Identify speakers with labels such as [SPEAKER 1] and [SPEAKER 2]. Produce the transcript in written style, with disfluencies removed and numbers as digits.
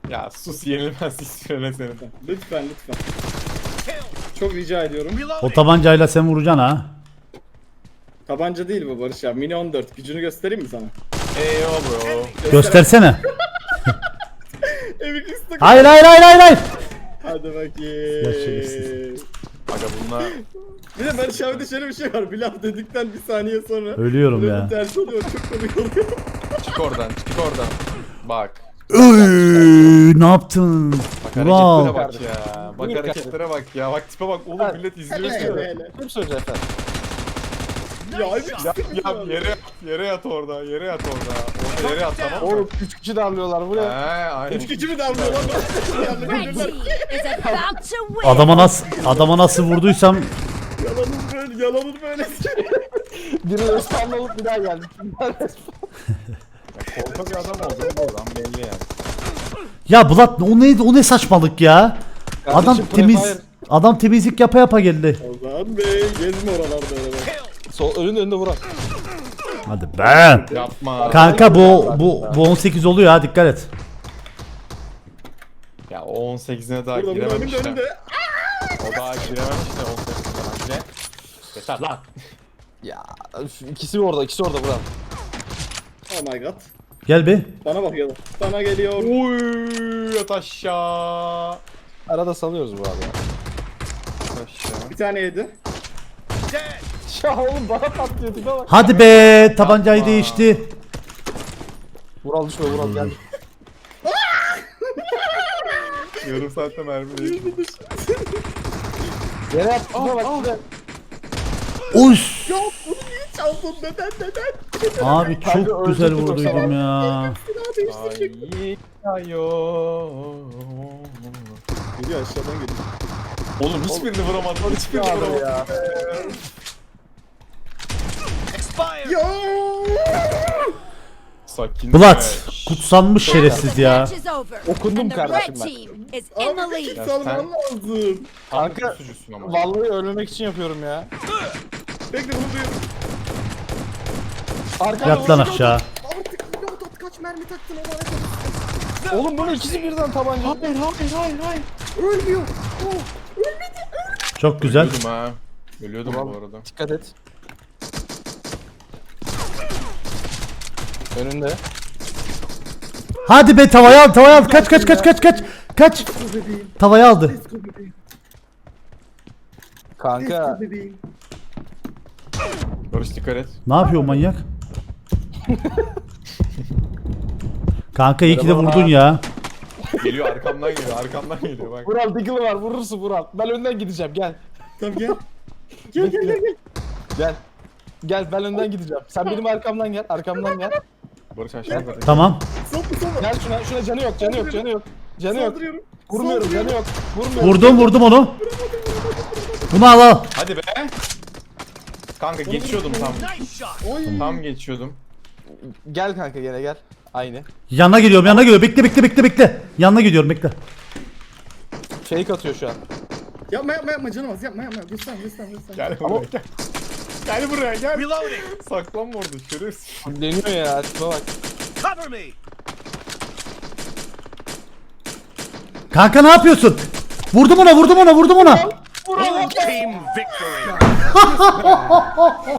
[SPEAKER 1] Ya sus, yenilmez istiyorum seni.
[SPEAKER 2] Lütfen. Çok rica ediyorum.
[SPEAKER 3] O tabancayla sen vuracaksın ha.
[SPEAKER 2] Tabanca değil bu Barış ya. Mini 14. Gücünü göstereyim mi sana?
[SPEAKER 1] Eyvah bro.
[SPEAKER 3] Göstersene.
[SPEAKER 2] Emin istek.
[SPEAKER 3] Hayır.
[SPEAKER 2] Hadi
[SPEAKER 3] Ya
[SPEAKER 2] bakayım.
[SPEAKER 3] şerefsiz.
[SPEAKER 1] Aga bunlar
[SPEAKER 2] Bir de Barış abi de şöyle bir şey var. Bir laf dedikten bir saniye sonra.
[SPEAKER 3] Ölüyorum
[SPEAKER 2] böyle
[SPEAKER 3] ya.
[SPEAKER 2] bir ters oluyor. Çok komik oluyor.
[SPEAKER 1] çık oradan. Bak.
[SPEAKER 3] Ne yaptın?
[SPEAKER 1] Bak
[SPEAKER 3] Wow.
[SPEAKER 1] hareketlere bak ya. Bak hareketlere bak ya. Bak tipe bak oğlum, millet izliyor seni.
[SPEAKER 2] Hele.
[SPEAKER 4] Kim söyleyecek efendim?
[SPEAKER 2] Ya Emin
[SPEAKER 1] Ya yere yat orada. Orada yere yat, tamam mı?
[SPEAKER 4] Oğlum 3 kişi darlıyorlar
[SPEAKER 1] He
[SPEAKER 4] buraya.
[SPEAKER 1] aynen.
[SPEAKER 2] 3 kişi mi damlıyor lan?
[SPEAKER 5] Red team is about to win.
[SPEAKER 3] Adama nasıl vurduysam
[SPEAKER 2] Yalanın böyle.
[SPEAKER 4] Biri respawn olup bir daha geldi.
[SPEAKER 1] Korkak bir adam oldu bu adam, belli yani.
[SPEAKER 3] ya Bulat o ne saçmalık ya? Adam
[SPEAKER 4] Kardeşim,
[SPEAKER 3] temiz.
[SPEAKER 4] Prefire.
[SPEAKER 3] Adam temizlik yapa geldi.
[SPEAKER 2] Ozan Bey gezme oralarda öyle bak.
[SPEAKER 4] Sol önünde vuran.
[SPEAKER 3] Hadi be.
[SPEAKER 1] Yapma.
[SPEAKER 3] Kanka bu 18 oluyor ha, dikkat et.
[SPEAKER 1] Ya o 18'ine daha
[SPEAKER 2] Burada
[SPEAKER 1] girememiş
[SPEAKER 2] önümde
[SPEAKER 1] de.
[SPEAKER 2] önümde.
[SPEAKER 1] O daha girememiş de 18'ine bence. Yeter lan.
[SPEAKER 4] Ya şu ikisi orada vuran.
[SPEAKER 2] Oh my god.
[SPEAKER 3] Gel bir.
[SPEAKER 2] Bana bak yalan. Sana geliyor.
[SPEAKER 1] Uy, yat aşağı.
[SPEAKER 4] Arada salıyoruz bu arada.
[SPEAKER 1] Yat aşağı.
[SPEAKER 2] Bir tane yedi.
[SPEAKER 4] Ya oğlum bana patlıyor tipe bak.
[SPEAKER 3] Hadi be, tabancayı değişti.
[SPEAKER 4] Vural düşme Vural gel.
[SPEAKER 1] Yarım saatte mermi değil.
[SPEAKER 4] Yere yat tipe bak tipe.
[SPEAKER 3] Uş.
[SPEAKER 2] Ya bunu niye çaldın? Neden?
[SPEAKER 3] Abi çok
[SPEAKER 4] Kanka,
[SPEAKER 3] güzel
[SPEAKER 4] öldürdük
[SPEAKER 3] vurduydum ya.
[SPEAKER 2] Silah değiştirecek.
[SPEAKER 1] Ay ayo.
[SPEAKER 2] Geliyor aşağıdan geliyor.
[SPEAKER 1] Oğlum hiçbirini vuramadım. Hiçbirini
[SPEAKER 4] Abi
[SPEAKER 1] vuramadım.
[SPEAKER 4] ya.
[SPEAKER 2] Ya.
[SPEAKER 1] Sakin.
[SPEAKER 3] Bulat kutsanmış şerefsiz ya.
[SPEAKER 5] Match is over.
[SPEAKER 4] Okundum
[SPEAKER 5] And the
[SPEAKER 4] kardeşim
[SPEAKER 5] red
[SPEAKER 4] ben.
[SPEAKER 5] team is in the
[SPEAKER 2] Abi
[SPEAKER 5] lead.
[SPEAKER 2] kick salman lazım.
[SPEAKER 4] Kanka,
[SPEAKER 1] Sucusun ama.
[SPEAKER 4] Vallahi ölmemek için yapıyorum ya.
[SPEAKER 2] Bekle bunu duyuyorum.
[SPEAKER 4] Arkada
[SPEAKER 3] Yat lan aşağı.
[SPEAKER 2] Artık reload kaç mermi taktın o bana.
[SPEAKER 4] Oğlum bunun ikisi birden tabanca.
[SPEAKER 1] Hayır.
[SPEAKER 2] Ölmüyor.
[SPEAKER 3] Çok güzel.
[SPEAKER 1] Ölüyordum ha. Ölüyordum bu arada.
[SPEAKER 4] Dikkat et. Önünde.
[SPEAKER 3] Hadi be, tavaya al. Kaç. Tavaya aldı.
[SPEAKER 4] Kanka
[SPEAKER 2] Bebeğim.
[SPEAKER 1] Barış dikkat et.
[SPEAKER 3] Ne yapıyor manyak? Kanka iyi ki de vurdun ya.
[SPEAKER 1] Geliyor arkamdan geliyor bak.
[SPEAKER 4] Vural Diggle'ı var vurursun Vural. Ben önden gideceğim gel.
[SPEAKER 2] Tamam gel. Gel.
[SPEAKER 4] Gel. Gel ben önden gideceğim. Sen benim arkamdan gel.
[SPEAKER 1] Barış aşağıda.
[SPEAKER 3] Tamam.
[SPEAKER 2] Sokma.
[SPEAKER 4] Gel şuna canı yok. Canı yok.
[SPEAKER 2] Saldırıyorum.
[SPEAKER 4] Vurmuyorum canı yok. Vurmuyorum.
[SPEAKER 3] Vurdum onu. Bunu al.
[SPEAKER 1] Hadi be. Kanka geçiyordum tam.
[SPEAKER 2] Oy.
[SPEAKER 1] Tam geçiyordum.
[SPEAKER 4] Gel kanka gene gel. Aynı.
[SPEAKER 3] Yanına geliyorum. Bekle. Yanına gidiyorum, bekle.
[SPEAKER 4] Fake atıyor şu an.
[SPEAKER 2] Yapma canım az yapma. Göster.
[SPEAKER 1] Gel buraya gel. Gel buraya gel. Saklanma orada şerefsiz.
[SPEAKER 4] Deniyor ya. Tipe bak.
[SPEAKER 3] Kanka ne yapıyorsun? Vurdum ona.
[SPEAKER 4] Vural.
[SPEAKER 6] Team victory.